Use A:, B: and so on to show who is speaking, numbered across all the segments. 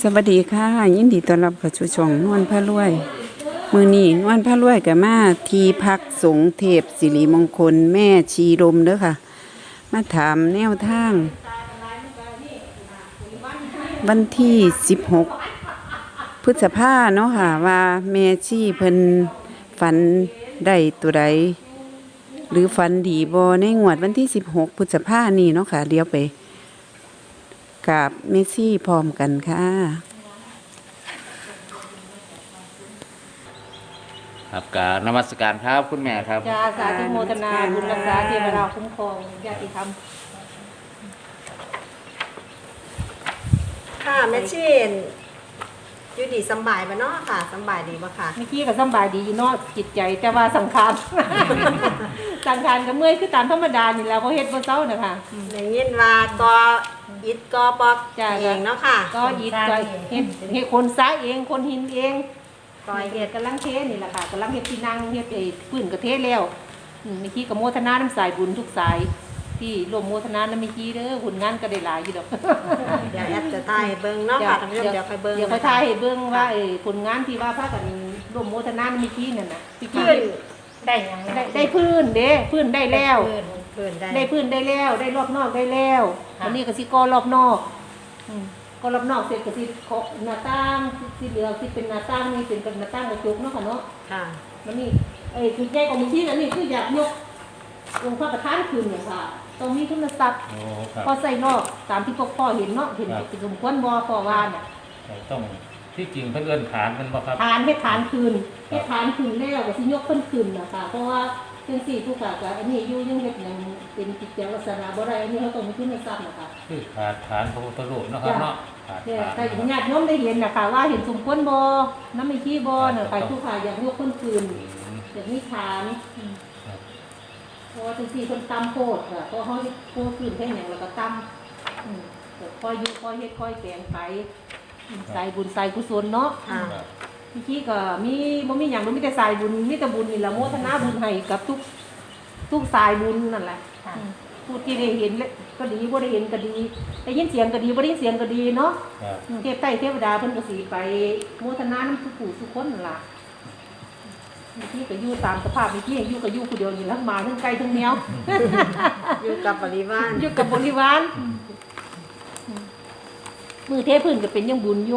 A: สวัสดีค่ะยินดีต้อนรับเข้าสู่ช่องนวลพระรวยมื้อนี้นวลพระรวยก็มาที่พักสงฆ์เทพสิริมงคลแม่ชีลมเด้อค่ะมาถามแนวทางวันที่16พฤษภาเนาะค่ะว่าแม่ชีเพิ่นฝันได้ตัวใดหรือฝันดีบ่ในงวดวันที่16พฤษภานี้เนาะค่ะเดี๋ยวไปกับเมซี่พร้อมกันค่ะ
B: ครับกราบนมัสการครับคุณแม่ครับ
C: จ้าสาธุโมทนาบุญรักษาเทวดาคุ้มครองญาติธรรม
D: ค่ะแม่ชีนอยู่ดีสำบายบ่เนาะค่ะสำบายดีบ่ค่ะ
C: เมื่อกี้ก็สำบายดีอยู่เนาะจิตใจแต่ว่าสังขาร สังขารก็เมื่อยคือตามธรรมดานี่แหล้วเพราะเฮ็ดบ่เซาน่ะค่ะ
D: ได้ยินว่าก็อิฐก็ปอก
C: จ้ะ
D: เองเนาะค่ะ
C: ก็ยิดก็เฮ็ดคนซ้ายเองคนหินเอง
D: ก้อย
C: เฮ็
D: เฮ็
C: ด
D: ด
C: กำลังเทนี่แหละค่ะกำลังเฮ็ดที่นั่งเฮ็ดไอ้พื้นก็เทแล้วเมื่อกี้ก็โมทนาน้ำสายบุญทุกสายที่ร่วมโมทนาน้ำเมื่อกี้เด้อผลงานก็ได้หลายอยู่ดอก
D: เดี๋ยวแอดจะถ่ายให้เบิ่งเนาะค่ะท่านผู้ชมเดี๋ยวค่อยเบิ่ง
C: เดี๋ยวค่อยถ่ายให้เบิ่งว่าไอ้ผลงานที่ว่าพากันร่วมโมทนาน้ำเมื่อกี้นั่นน่ะพี่กี้
E: ได้ยัง
C: ได้พื้นเด้พื้นได้แล้ว
D: เพิ่นได้
C: ได้พื้นได้แล้วได้รอบนอกได้แล้ววันนี้ก็สิก่อรอบนอกก็รอบนอกเสร็จก็สิเคาะหน้าต่างสิเหลือสิเป็นหน้าต่างนี่เป็นหน้าต่างกระจกเนาะค่ะเนาะ
D: ค่ะ
C: มันนี่ไอ้จุดใหญ่ของมือที่อันนี้คืออยากยกองค์พระประธานคืนอย่างค่ะตรงนี้ทุนทรัพย์
B: โอ้ครับ
C: พอใส่นอกตามที่พวกพ่อเห็นเนาะเห็นเป็นสมควรบ่พ่อว่าน่ะ
B: ต้องที่จริงเพิ่นเอิ้นฐานมันบ่ครับ
C: ทานให้ทานคืนให้ทานคืนแล้วก็สิยกเพิ่นคืนนะคะเพราะว่าจังซี่ผู้ขาก็อันนี้อยู่ยังเฮ็ดหยังเป็นกิจลักษณะบ่ได้อันนี้เขาต้องมีทุนทรัพย์นะคะ
B: คือขาดฐานพระพุทธรูปเนาะครับเนาะขาด
C: เนี่ย
B: ฐาน
C: ถ้าญาติโยมได้เห็นนะคะว่าเห็นสมควรบ่น้ำไม่ขี้บ่น่ะใครผู้ขาอยากยกเพิ่นคืนอยากมีฐานเพราะว่าจังซี่เพิ่นตำโพดค่ะเพราะเฮาโพดคืนแค่หยังแล้วก็ตำก็ค่อยอยู่ค่อยเฮ็ดค่อยแปลงไปใส่บุญใส่กุศลเนาะ
D: ค่ะ
B: ครับ
C: เมื่อกี้ก็บ่มีหยังมีแต่สายบุญมีแต่บุญนี่ละโมทนาบุญให้กับทุกสายบุญนั่นแหละผู้ที่ได้เห็นก็ดีบ่ได้เห็นก็ดีได้ยินเสียงก็ดีบ่ได้ยินเสียงก็ดีเนาะ
B: ครับ
C: เทพใต้เทวดาเพิ่นก็สิไปโมทนานำทุกผู้ทุกคนนั่นล่ะเมื่อกี้ก็อยู่ตามสภาพเมื่อกี้อยู่ก็อยู่ผู้เดียวนี่ทั้งหมาทั้งไก่ทั้งแมว
D: อยู่กับบริวาร
C: อยู่กับบริวารมือเทพื้นก็เป็นยังบุญอยู่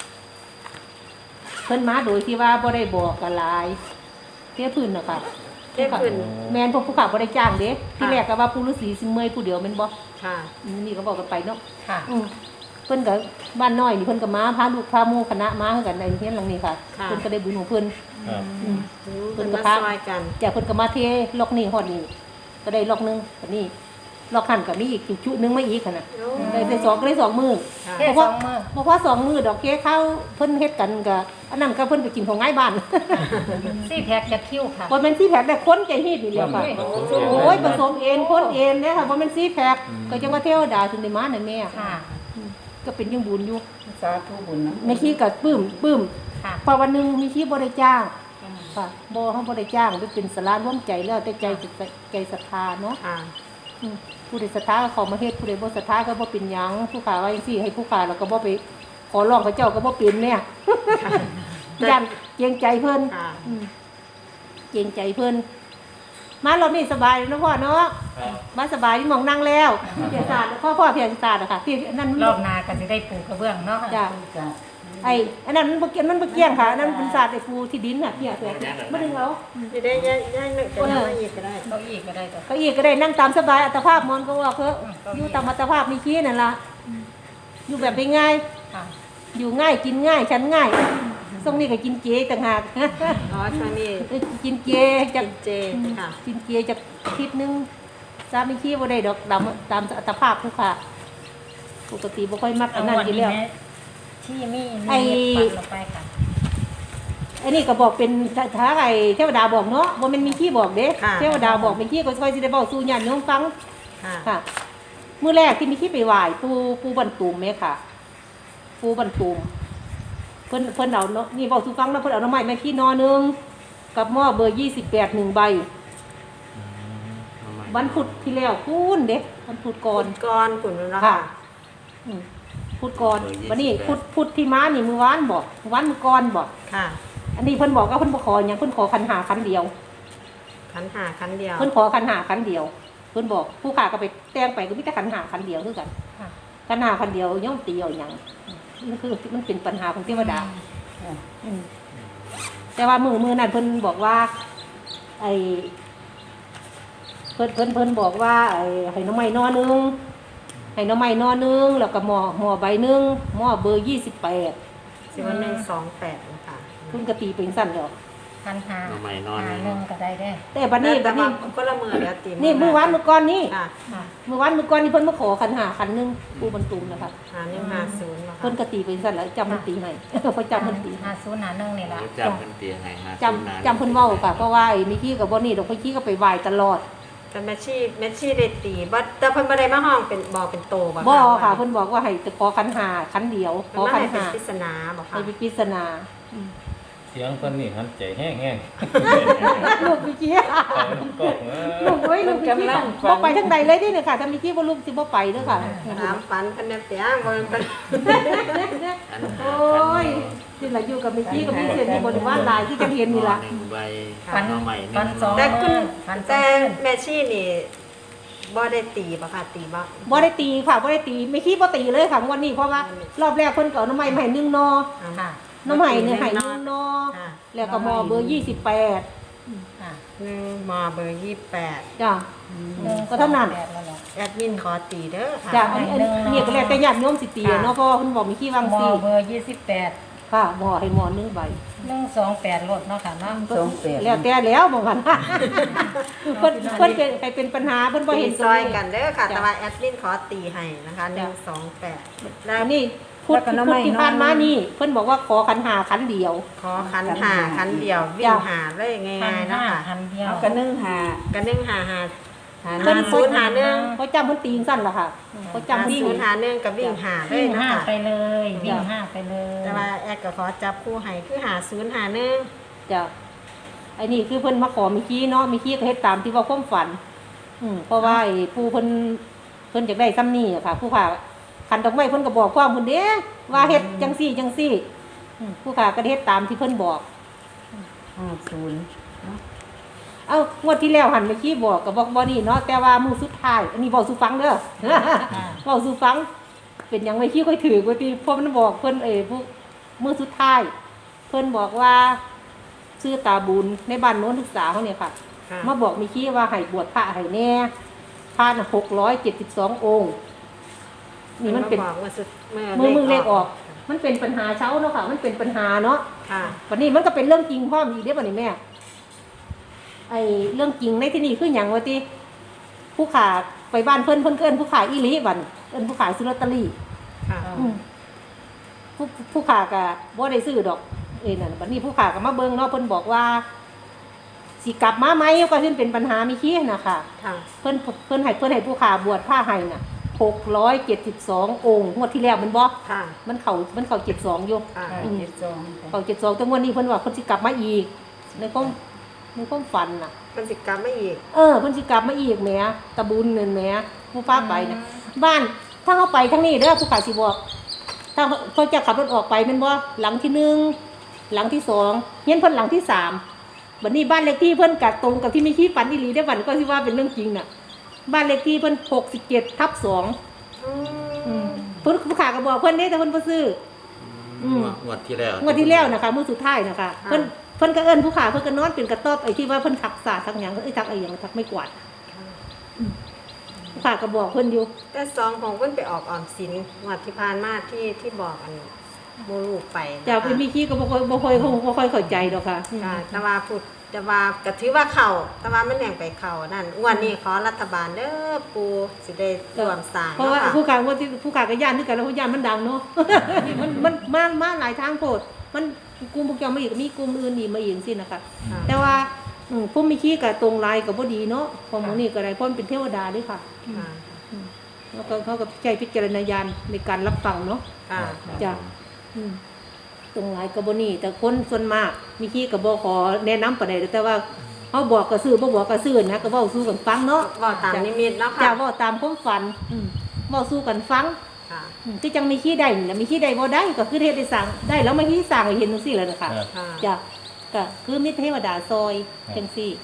C: เพิ่นมาโดยที่ว่าบ่ได้บอกกันหลายเทพื้นน่ะค่ะ
D: เทพขึ้น
C: แม่นพวกผู้ขับบ่ได้จ้างเด้ที่แรกก็ว่าปู่ฤาษีสิเมื่อยผู้เดียวแม่นบ่
D: ค่ะ
C: นี่ก็บอกกันไปเนาะ
E: ค่ะ
C: เพิ่นก็บ้านน้อยนี่เพิ่นก็มาพาลูกพาหมู่คณะมาคือกันในเฮียนหลังนี้ค่ะเพิ่นก็ได้บุญของเพิ่น
B: ครับ
D: เพิ่นมาซอยกัน
C: จากเพิ่นก็มาเทล็อกนี่ฮอดนี่ก็ได้ล็อกนึงก็นี่ล็อกหันก็มีอีกจุนึงมาอีกหั่นน่ะได้สองก็ได้2มื้อ
D: ค่ะ
E: เทศสองมือ
C: บ่พอ2มื้อดอกเค้กข้าวเพิ่นเฮ็ดกันก็อันนั้นก็เพิ่นไปกินของง่ายบ้าน
E: สี่แพ็กจะคิ้วค่ะ
C: บ่แม่นซี่แพ็คแต่คนใจฮีดนี่แหละค่ะโอ้ยผสมเองคนเองเด้ค่ะบ่แม่นซี่แพ็คก็จังว่าเทวดาถึงได้มานั่นแม่
E: ค่ะ
C: ก็เป็นยังบุญอยู่
E: สาธุบุญนะ
C: แม่ขี้ก็ปลื้ม
E: ค่ะ
C: พอวันหนึงมีขี้บ่ได้จ้างค่ะบ่เฮาบ่ได้จ้างไปเป็นศาลาร่วมใจแล้วแต่ใจศรัทธาเนาะ
D: ค่ะ
C: ผู้ใดศรัทธาก็เข้ามาเฮ็ดผู้ใดบ่ศรัทธาก็บ่เป็นหยังผู้ขาว่าจังซี่ให้ผู้ขาแล้วก็บ่ไปขอร้องพระเจ้าก็บ่เป็นเนี่ยย่านเกรงใจเพิ่น
D: ค่ะ
C: เกรงใจเพิ่นมารอบนี้สบายเนาะพ่อเนาะมาสบายที่หมองนั่งแล้วเพียรศาสตร์พ่อเพียรศาสตร์อะค่ะพี่นั่น
E: รอบนาก็จะได้ปลูกกระเบื้องเนาะ
C: จ้ะไอ้อันนั้นมันบ่เกี่ยงมันบ่เกี่ยงค่ะอันนั้นเป็นศาสตร์ไอ้ปูที่ดินน่ะเพียรแฝกบ่ดึงเอา
D: จะได้ย้ายนึกเป็นมาอีกก็ได้
E: เราอีกก็ได้จ้ะ
C: เก็อีกก็ได้นั่งตามสบายอัตภาพมอนก็ว่าเพิ่นอยู่ตามอัตภาพมีขี้นั่นล่ะอยู่แบบง่าย
E: ค่ะ
C: อยู่ง่ายกินง่ายฉันง่ายทรงนี้ก็กินเจต่างหาก
D: อ๋อช่วงนี้
C: กินเจ
D: จั
C: จาก
D: กเจค่ะ
C: กินเจจากอาทิตย์นึงสามีขี้บ่ได้ดอกดำตามอัตภาพผู้ค่ะปกติบ่ค่อยมักอันนั้นอยู่แล้ว
E: ที่มี
C: ไอ้
E: ปันลงไปค่ะ
C: อันนี้ก็บอกเป็นถ้าไอ้เทวดาบอกเนาะบ่แม่นมีขี้บอกเด้
D: ค่ะ
C: เทวดาบอกมีขี้ก็ค่อยสิได้เว้าสู่ญาติโยมฟัง
D: ค่ะ
C: ค่ะมื้อแรกที่มีขี้ไปไหว้ปู่บรรตุมแม่ค่ะปู่บรรตุมเพิ่นเอาเนาะนี่เว้าสู่ฟังนะเพิ่นเอาหน่อไม้มาขี้นอนึงกับหม้อเบอร์28 1ใบวันพุธที่แล้วคุณเด้วันพุธก่อน
D: ก้อนขุนเนาะ
C: ค่ะ
D: ค่ะ
C: อืมพุธก่อนวันนี้พุธที่มานี่มื้อวานบอกวันมื้อก่อนบอก
D: ค่ะ
C: อันนี้เพิ่นบอกว่าเพิ่นบ่ขอหยังเพิ่นขอคันหาคันเดียว
D: ขันหาขันเดียว
C: เพิ่นขอคันหาคันเดียวเพิ่นบอกผู้ขาก็ไปแต่งไปก็มีแต่คันหาคันเดียวคือกัน
E: ค่ะ
C: คันหาคันเดียวย่อมตีเอาหยังมันคือมันเป็นปัญหาของเทวดาอืมแต่ว่ามือนั้นเพิ่นบอกว่า ไอ้เพิ่นบอกว่าไอ้ให้น้องไม้นอนึงให้น้องไม้นอนึงแล้วก็หม้อใบนึงหม้อเบอร์28
D: 1128นะคะ
C: คุณกตีเป็นสั้นแล้ว
E: พันหา
B: น้องใหม่นอน
E: หาหนึ่งก็ได้ได้
C: แต่บัดนี้
D: แต่ว่าคนละมือแล้วตี
C: นี่มื้อวานมื้อก่อนนี่
D: ค่ะ
E: ค่ะ
C: มื้อวานมื้อก่อนนี่เพิ่นมาขอคันหาคันนึงปูบรรทุมนะคะ
D: 5150นะคะ
C: เพิ่นกตีเป็นสั้นแล้วจำมันตีให้ เพราะจำมันตี
E: หาศูนย์หาหนึ่งนี่ละ
B: จำเป็นเตียงไงฮะ
C: จำเพิ่นเว้าค่ะเพราะว่าไอ้มิกี้กับบ่นี่ดอกมิกี้ก็ไปไหว้ตลอด
D: แต่แมชชี่ได้ตีบ่แต่เพิ่นบ่ได้มาห้องเป็นบอกเป็นโตบ่
C: บ่ค่ะเพิ่นบอกว่าให้ขอคันหาคันเดียวข
D: เพิ่
C: อน
D: มา
C: คัน
D: ให้เป็น
C: หา
D: ปริศนาบ่ค่ะ
C: ให้เป็นปริศนา
B: เสียงคนนี่หันใจแห้ง
C: ลูกมิกี้
B: ๆก็เออ
C: ลูกเอ้ยลูกมิกี้บ่ไปทางใดเลยเด้เนี่ยค่ะถ้ามิกี้บ่ลูกสิบ่ไปเด้อค่ะ
D: ถามฝันเพิ่นได้เปียงบ่เพิ่น
C: โอ้ยที่ละอยู่กับมิกี้กับมิเสียนี่บ่ได้ว่าหลายที่จะเห็นนี่ล่ะ
B: หนึ่งใบ
E: ฟัน
B: น้องใหม่
E: ฟันสอง
D: แต่คุณ
E: ฟันสอ
D: แต่
E: ง
D: แมชชี่นี่บ่ได้ตีบ่ค่ะตีบ่
C: บ่ได้ตีค่ะบ่ได้ตีมิกี้บ่ตีเลยค่ะวันนี้เพราะว่ารอบแรกเพิ่นก็เอาน้ำใหม่มาให้1นอ
E: ค่ะ
C: น้ำใหม่เนี่ยให้1นอ
D: ค่ะ
C: แล้วก็หมอเบอร์28
E: ค่ะ
D: 1มอเบอร์28
C: จ้ะก็เท่านั้น
E: แปดแล้วเหรอ
D: แอดมินขอตีเด้อค่ะ
C: จ้ะอันนี้ก็แล้วแต่ญาติโยมสิตีอะเนาะเพราะว่าเพิ่นบอกมีขี้วาง
E: มอ
C: สิ
E: เบอร์28
C: ค่ะหมอให้หมอนึงใบ
E: 128รถเนาะค่ะเนาะ
C: แล้วแต่แล้วบอกกันเพิ่นเป็นใครเป็นปัญหาเพิ่นบ่
D: ตี
C: เห็น
D: ซอยกันเด้อค่ะ แต่ว่าแอดมินขอตีให้นะคะ128
C: แล้วนี่พุทธที่ผ่านมานี่เพิ่นบอกว่าขอขันหาขันเดียว
D: ขอขันหาขันเดียววิ่งหาเลยง่ายๆเนาะค่ะ
E: พันเดียว
A: ก็นึ่งหา
D: กัน1 5 5
C: เพิ่น
D: 0 5 1
C: เขาจำเพิ่นตีสั้นล่ะค่ะเขาจำ
D: วิ่
C: วิ่
D: ง
C: ง
D: หา1กับวิ่งหาเล
E: วิ่
D: ย
E: ง
D: นะ
E: ห้า
D: คะ
E: ไปเลยวิ่งห้าไปเลย
D: แต่ว่าแอดก็ขอจับคู่ให้คือหา0 หา1
C: จ้ะไอ้นี่คือเพิ่นมาขอมีขี้เนาะมีขี้ก็เฮ็ดตามที่ว่าความฝันเพราะว่าไอ้ผู้เพิ่นอยากได้ซ้ำนี่อะค่ะ ผู้ค่ะคันดอกไม้เพิ่นก็บอกความเพิ่นเด้ว่าเฮ็ดจังซี่จังซี่ผู้ค่ะก็เฮ็ดตามที่เพิ่นบอก50เอ้างวดที่แล้วหันไปขี้บอกก็บอกบ่นี่เนาะแต่ว่ามื้อสุดท้ายอันนี้บอกสู่ฟังเด้อ เว้าสู่ฟัง เป็นหยังไม่ขี้ค่อยถือกว่าติเพราะมันบอกเพิ่นผู้มื้อสุดท้าย เพิ่นบอกว่าชื่อตาบุญในบ้านโน้นศึกษาเขาเนี่ยค่ะ
D: ค่ะ
C: มาบอกมีขี้ว่าให้บวชพระให้แน่พระน่ะ672 องค์ นี่มันเป็น
D: บอกว่าสุด
C: มือเลขออก มันเป็นปัญหาเช้าเนาะค่ะ มันเป็นปัญหาเนาะ
D: ค่ะ
C: วันนี้มันก็เป็นเรื่องจริงพร้อมอีกเด้อบัดนี้แม่ไอ้เรื่องจริงในที่นี่คือหยังว่าติผู้ขาไปบ้านเพิ่นเอิ้นผู้ขาอีหลีบัดนี้เอิ้นผู้ขาซื้อลอตเตอรี่
D: ค่ะ
C: ผู้ขาก็บ่ได้ซื้อดอกนั่นบัดนี้ผู้ขาก็มาเบิ่งเนาะเพิ่นบอกว่าสิกลับมาไหมก็ขึ้นเป็นปัญหามีขี้น่ะค่ะ
D: ค่ะ
C: เพิ่นให้ผู้ขาบวชผ้าให้น่ะ672 องค์งวดที่แล้วมันบ่
D: ค่ะ
C: มันเข้า72อยู่
D: ค่ะ
C: เข้า72แต่งวดนี้เพิ่นว่าเพิ่นสิกลับมาอีกในความฝันน่ะ
D: มันสิกรรมไม่อีก
C: เพิ่นสิกลับมาอีกแหมตะบุญนั่นแหมผู้ฟ้าไปน่ะบ้านถ้าเฮาไปทางนี้เด้อผู้ขาสิบอกถ้าเขาจะขับรถออกไปแม่นบ่หลังที่1หลังที่2เฮียนเพิ่นหลังที่3บัดนี้บ้านเลขที่เพิ่นก็ตรงกับที่มีขี้ฝันอีหลีได้อบัดก็สิว่าเป็นเรื่องจริงน่ะบ้านเลขที่เพิ่น67/2เพิ่นผู้ขาก็บอกเพิ่นเด้แต่เพิ่นบ่ซื้อ
B: งวดที่แล้ว
C: งวดที่แล้วนะคะมื้อสุดท้ายนะคะเพิ่นก็เอิ้นผู้ขาเพิ่นก็นอนเป็นกระต๊อบไอ้ที่ว่าเพิ่นทักษะทักหยังทักไอ้หยังทักไม่กวาดผู้ขาก็บอกเพิ่นอยู่
D: แต่ซองของเพิ่นไปออกออมสินงวดที่ผ่านมาที่บอกอันโมลูกไปนะคะ
C: จะไปมีขี้ก็บ่ค่อยเข้าใจดอกค่ะ
D: ค่ะแต่ว่าพูดแต่ว่าก็ถือว่าเข้าแต่ว่ามันแหน่งไปเข้านั่นงวดนี้ขอรัฐบาลเด้อปูสิได้รวมสร้าง
C: เพราะว่า
D: เนาะ
C: ผู้
D: ค่ะ
C: ขาว่าที่ผู้ขาก็ย่านคือกันแล้วผู้ย่านมันดังเนาะ มันมาหลายทางโพดมันกลุ่มพวกเจ้ามาอีกมีกลุ่มอื่นอีกมาอีกสินะคะ
D: ค่ะ
C: แต่ว่าผู้มีขี้ก็ตรงลายก็บ่ดีเนาะของหมู่นี่ก็ได้เพราะมันเป็นเทวดาเด้ค่ะ
D: ค่ะ
C: แล้วก็เขาก็ใช้พิจารณญาณในการรับฟังเนาะ
D: ค่ะ
C: จ้ะตรงหลายกระบนี่แต่คนส่วนมากมีขี้กับบขอแนะนำปานใดแต่ว่าเขาบอกก็ซื้อบ่บอกก็ซื้อนะก็เว้าสู้กันฟังเนาะ
D: บอกตามนิมิตเนาะ
C: จ้ะ
D: ค่ะ
C: เว้าตามความฝันเว้าสู้กันฟัง
D: ค่ะ
C: คือจังมีขี้ได้นี่นะมีขี้ได้บ่ได้ก็คือเทศได้สั่งได้แล้วมาขี้สั่งให้เห็นจังซี่แหละนะคะ
B: ครับ
D: ค่ะ
C: จ้ะก็คือมีเทวดาซอยจังซี่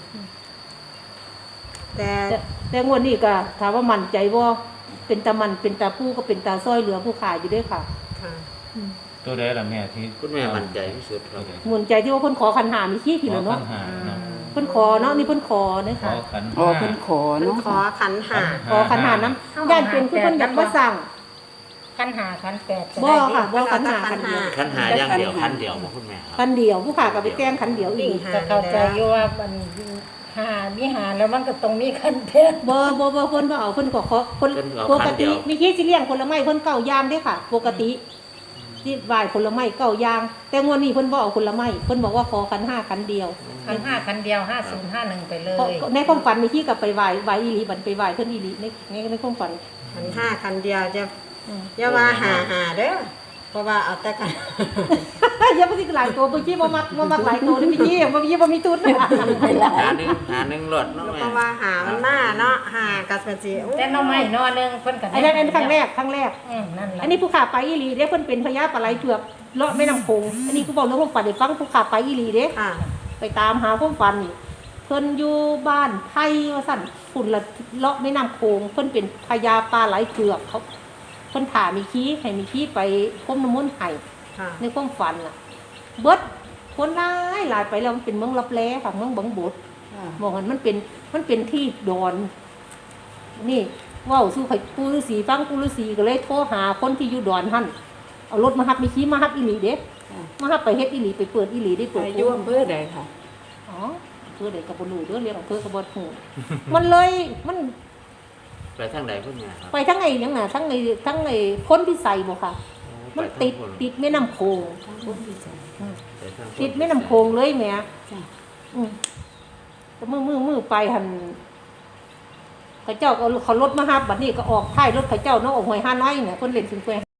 D: แต่
C: แต่งวดนี้ก็ถามว่ามั่นใจบ่เป็นตามันเป็นตาผู้ก็เป็นตาซอยเหลือผู้ขายอยู่เด้วยค่ะ
D: ค่ะ
B: ตัวใดล่ะแม่ที่
F: คุณแม่มั่นใจที่สุดครับ
C: มั่นใจที่ว่าเพิ่นขอคันหามีขี้
B: ข
C: พี่
B: อ
C: แล้ว
B: ขั
C: เนาะ
B: นหาเนาะ
C: เพิ่นขอเนาะนี่เพิ่นขอเด้อ
B: ขอ
C: ค่ะ
B: ขัน
A: อ๋อ
B: ห้า
A: เพิ่นขอ
D: เพิ่น
A: เนาะ
D: ขอขันหา
C: ขอคันหาน้ำย่านเป็นคือเพิ่นอยากมาสั่ง
E: ขั้นหาขั้นแปดจะ
C: บ่
E: ได้
C: ค่ะบ่คันหาคันเดียว
F: คันหาอย่างเดียวคันเดียวบ่คุณแม่ครับ
C: คันเดียวผู้ขาก็ไปแจ้งคันเดียวอี
D: วิ่ง
C: ก
D: หา
E: จะเข้าใจอยู่ว่ามันหามีหาแล้วมันก็ต้องมีขั้นแปด
C: บ่เพิ่นบ่เอาเพิ่นก็ขอเพิ่นปกติมีขี้สิเลี้ยงผลไม้เพิ่นเก้าอย่างเด้ค่ะ ปกติที่ไหว้ผลไม้เก้าอย่างแต่งวดนี้เพิ่นบ่เอาผลไม้เพิ่นบอกว่าขอคันห้าคันเดียว
E: ขั้นห้าขั้นเดียว5051ไปเล
C: เพราะ
E: ย
C: ในความฝันมีขี้กับไปไหว้อีหลีบันไปไหว้เพิ่นอีหลีในความฝัน
D: ขันห้าขันเดียวจะ
C: อืม
D: อย่าว่าหาเด้อเพราะว่าเอาแต่กัน
C: อย่าไปสิหลายตัวเมื่อกี้บ่มักหลายตัวนี่พี่บ่มีทุน
F: หาหนึ่งรถเนาะ
D: แล้ว
F: แม่
D: ก็ว่าหามันมาเนาะหากับมันสิโอ้
E: แต่หน้องไม้นอนึงเพิ่นก็
C: อันนั้นครั้งแรก
E: นั่นแหละ
C: อันนี้ผู้ขาไปอีหลีเด้เพิ่นเป็นพญาปลาไหลเผือกเลาะแม่น้ำโขงอันนี้คือบอกเรื่องความฝันให้ฟังผู้ขาไปอีหลีเด้
D: ค่ะ
C: ไปตามหาความฝันนี่เพิ่นอยู่บ้านไทยว่าสั่นฝุ่นละเลาะแม่น้ำโขงเพิ่นเป็นพญาปลาไหลเผือกเขาเพิ่นถามมีขี้ให้มีขี้ไปพรมน้ำมนต์ให้
D: ค่ะ
C: ในความฝันน่ะ เบิดคนหลายไปแล้วมันเป็นเมืองลับแลค่ะเมืองบังบดบอกมันเป็นที่ดอน นี่เว้าสู่ไข่ปูฤาษีฟังปูฤาษีก็เลยโทรหาคนที่อยู่ดอนหั่นเอารถมาฮับมีขี้มาฮับอีหลีเด้มาฮับไปเฮ็ดอีหลีไปเปิดอีหลีได้เปิด
A: อายุอำเภอใดค่ะ
C: อ๋อเพื่อเด็กกับบรูเด้อเรียกของเพื่อกับบหู มันเลยมัน
F: ไปทางใดคุณแม่ครับ
C: ไปทั้งไอ้ยังน่ะทั้งไอ้พ้นพิสัยบ่ค่ะ มันติดแม่น้ำโขง
F: ไปทาง
C: ติดแม่น้ำโขงเลยแหม่อืมแต่มือไปหันเขาเจ้าก็เขารถมาฮับบัดนี้ก็ออกท้ายรถเขาเจ้าเนาะออกหวย5น้อยเนี่ยเพิ่นเล่นถึงแคว